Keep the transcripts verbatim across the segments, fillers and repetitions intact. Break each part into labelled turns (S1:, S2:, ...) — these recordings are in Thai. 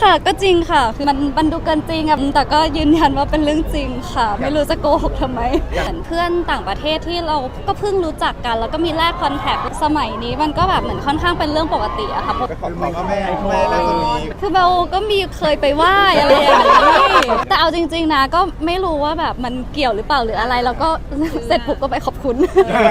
S1: ค่ะก็จริงค่ะคือมันมันดูเกินจริงอะแต่ก็ยืนยันว่าเป็นเรื่องจริงค่ะไม่รู้จะโกหกทำไมเหมือนเพื่อนต่างประเทศที่เราก็เพิ่งรู้จักกันแล้วก็มีแลกคอนแทคสมัยนี้มันก็แบบเหมือนค่อนข้างเป็นเรื่องปกติอะค่ะเพราะ
S2: ก็ขอบคุณแม่แม่แล้วก็มี
S1: คือเบลก็มีเคยไปไหว้อะไรอย่างนี้แต่เอาจริงๆนะก็ไม่รู้ว่าแบบมันเกี่ยวหรือเปล่าหรืออะไรแล้วก็เสร็จปุ๊บก็ไปขอบคุณ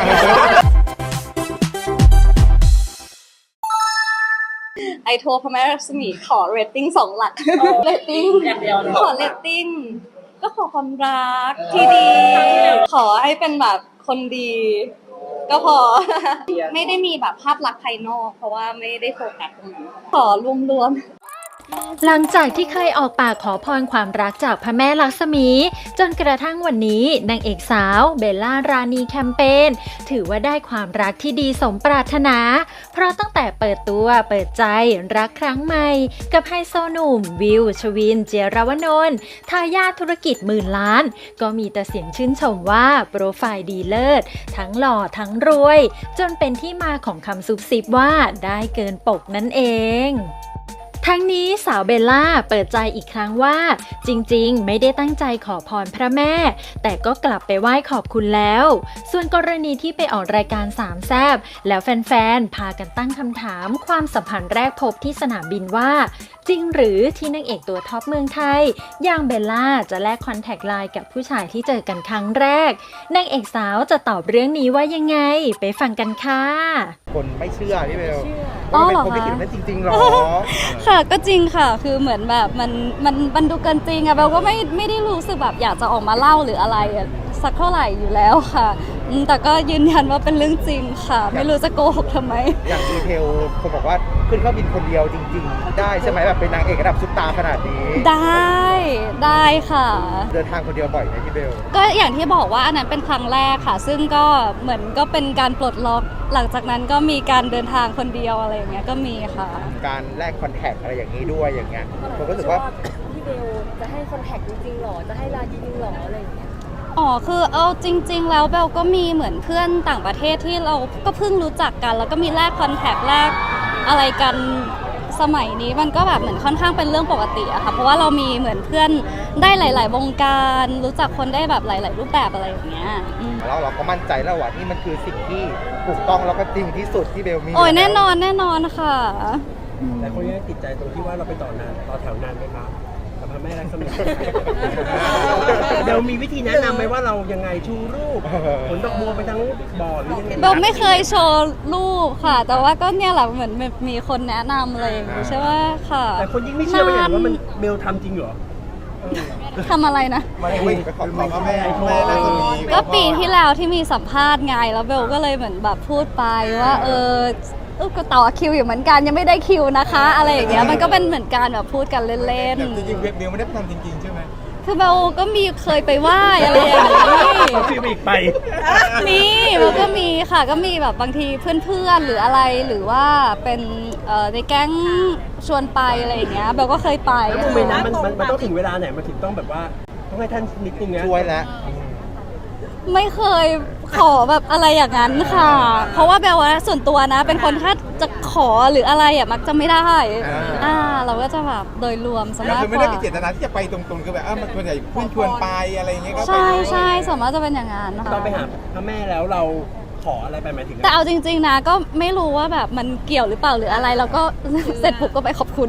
S1: ไอโทรพระแม่รัศมีขอเรตติ้งสองหลักเรตติ้งขอเรตติ้งก็ขอความรักที่ดีขอให้เป็นแบบคนดี ก็พอ ไม่ได้มีแบบภาพลักษณ์ภายนอกเพราะว่าไม่ได้โฟกัสตรงนั้นขอรวมๆ
S3: หลังจากที่เคยออกปากขอพรความรักจากพระแม่ลักษมีจนกระทั่งวันนี้นางเอกสาวเบลล่ารานีแคมเปญถือว่าได้ความรักที่ดีสมปรารถนาเพราะตั้งแต่เปิดตัวเปิดใจรักครั้งใหม่กับไฮโซหนุ่มวิวชวินเจียรวนนท์ทายาทธุรกิจหมื่นล้านก็มีแต่เสียงชื่นชมว่าโปรไฟล์ดีเลิศทั้งหล่อทั้งรวยจนเป็นที่มาของคำซุบซิบว่าได้เกินปกนั่นเองทั้งนี้สาวเบลล่าเปิดใจอีกครั้งว่าจริงๆไม่ได้ตั้งใจขอพรพระแม่แต่ก็กลับไปไหว้ขอบคุณแล้วส่วนกรณีที่ไปออกรายการสามแซ่บแล้วแฟนๆพากันตั้งคำถามความสัมพันธ์แรกพบที่สนามบินว่าจริงหรือที่นางเอกตัวท็อปเมืองไทยอย่างเบลล่าจะแลกคอนแทคไลน์กับผู้ชายที่เจอกันครั้งแรกนางเอกสาวจะตอบเรื่องนี้ว่ายังไงไปฟังกันค่ะ
S2: คนไม่เชื่อพี่เบล
S1: อ๋อเหรอคะ
S2: เป็นคนไม่คิดว่าจริงๆหรอ
S1: ค่ะก็จริงค่ะคือเหมือนแบบมันมันมันดูเกินจริงอะเบลก็ไม่ไม่ได้รู้สึกแบบอยากจะออกมาเล่าหรืออะไรสักเท่าไหร่อยู่แล้วค่ะแต่ก็ยืนยันว่าเป็นเรื่องจริงค่ะไม่รู้จะโกหกทำไม
S2: อย่างดีเทลคนบอกว่าขึ้นเครื่องบินคนเดียวจริงๆได้ใช่ไหมแบบเป็นนางเอกระดับซุปตาร์ขนาดนี้
S1: ได้ได้ค่ะ
S2: เดินทางคนเดียวบ่อยไหมพี่เบล
S1: ก็อย่างที่บอกว่าอันนั้นเป็นครั้งแรกค่ะซึ่งก็เหมือนก็เป็นการปลดล็อกหลังจากนั้นก็มีการเดินทางคนเดียวอะไรอย่างเงี้ยก็มีค่ะ
S2: การแลกคอนแทคอะไรอย่างนี้ด้วยอย่างเงี้ยผมก็รู้สึกว่า
S4: พี่เบลจะให้คอนแทคจริงๆหรอจะให้ไลน์จริงๆหรออะไรอย่างเงี้ย
S1: อ๋อคือเอาจริงๆแล้วเบลก็มีเหมือนเพื่อนต่างประเทศที่เราก็เพิ่งรู้จักกันแล้วก็มีแลกคอนแทคแลกอะไรกันสมัยนี้มันก็แบบเหมือนค่อนข้างเป็นเรื่องปกติอะค่ะเพราะว่าเรามีเหมือนเพื่อนได้หลายๆวงการรู้จักคนได้แบบหลายๆรูปแบบอะไรอย่างเงี้ย
S2: แล้วเราก็มั่นใจแล้วว่านี่มันคือสิ่งที่ถูกต้องแล้วก็จริงที่สุดที่เบลมี
S1: โอ้ยแน่นอนแน่นอนค่ะ
S5: แต่คนยังติดใจตรงที่ว่าเราไปต่อนานต่อแถวนานไหมครับกับพระแม่รัศมีเดี๋ยวมีวิธีแนะนำไหมว่าเรายังไงชูรูปผลดอกบัวไปทั้งบ่อหรือยังไง
S1: เบลไม่เคยโชว์รูปค่ะแต่ว่าก็เนี่ยแหละเหมือนมีคนแนะนำอะไรอย่างงี้ใช่ไหมค่ะ
S5: แต่คนยิ่งไม่เชื่อไปอย่างว่ามันเบลทำจริงเหรอ
S1: ทำอะไรนะ
S2: ไม่ไม่ขอบคุณแม่แม่แล้วก็มี
S1: ก็ปีที่แล้วที่มีสัมภาษณ์ไงแล้วเบลก็เลยเหมือนแบบพูดไปว่าเออก็ต่อคิวอยู่เหมือนกันยังไม่ได้คิวนะคะอะไรอย่างเงี้ยมันก็เป็นเหมือนการแบบพูดกันเล่น
S2: ๆจริงๆเบลไม่ได้ทำจริงๆใช่ไหม
S1: คือเบลก็มีเคยไปไหว้อะไรอย่างนี้
S5: เขาคิวอีกไป
S1: มีเบลก็มีค่ะก็มีแบบบางทีเพื่อนๆหรืออะไรหรือว่าเป็นในแก๊งชวนไปอะไรอย่างเงี้ยเบลก็เคยไป
S5: แล้วโมเมนต์นั้นมันมันต้องถึงเวลาไหนมันถึงต้องแบบว่าต้องให้ท่านนิดนึงนะ
S2: ช่วยแล้ว
S1: ไม่เคยขอแบบอะไรอย่างนั้นค่ะเพราะว่าเบลว่าส่วนตัวนะเป็นคนถ้าจะขอหรืออะไรอ่ะมักจะไม่ได้อ่าเราก็จะแบบโดยรวมสมมติ
S2: คือไม่ได้มีเจตนาที่จะไปตรงๆคือแบบอ่ะมันส่วนใหญ่เพื่อนชวนไปอะไรอย่างเงี้ยก็ไป
S1: ใช่ใช่สมมติจะเป็นอย่างนั้น
S5: ตอนไปหาพระแม่แล้วเราขออะไรไปหมายถึง
S1: แต่เอาจริงๆนะก็ไม่รู้ว่าแบบมันเกี่ยวหรือเปล่าหรืออะไรแล้วก็เสร็จปุ๊บก็ไปขอบคุณ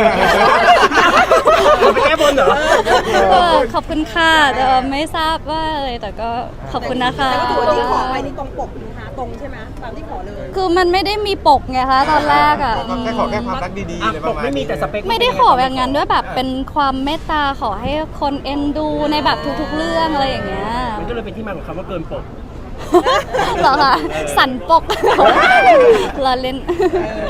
S5: ไปแก้บนเหรอ
S1: ขอบคุณค่ะแต่ไม่ทราบว่าเลยแต่ก็ขอบคุณนะคะ
S4: แต่ก็ถือว่าที่ขอไปนี่ตรงปกนะคะตรงใช่ไหมตามที่ขอเลย
S1: คือมันไม่ได้มีปกไงคะตอนแรกอ่ะ
S2: แค่ขอแค่ความรักดีๆเลยประมาณ
S5: ไม่มีแต่สเปค
S1: ไม่ได้ขออย่างนั้นด้วยแบบเป็นความเมตตาขอให้คนเอ็นดูในแบบทุกๆเรื่องอะไรอย่างเงี้ย
S5: มันก็เลยเป็นที่มาของคำว่าเกินปก
S1: เหรอคะสันปกเราเล่น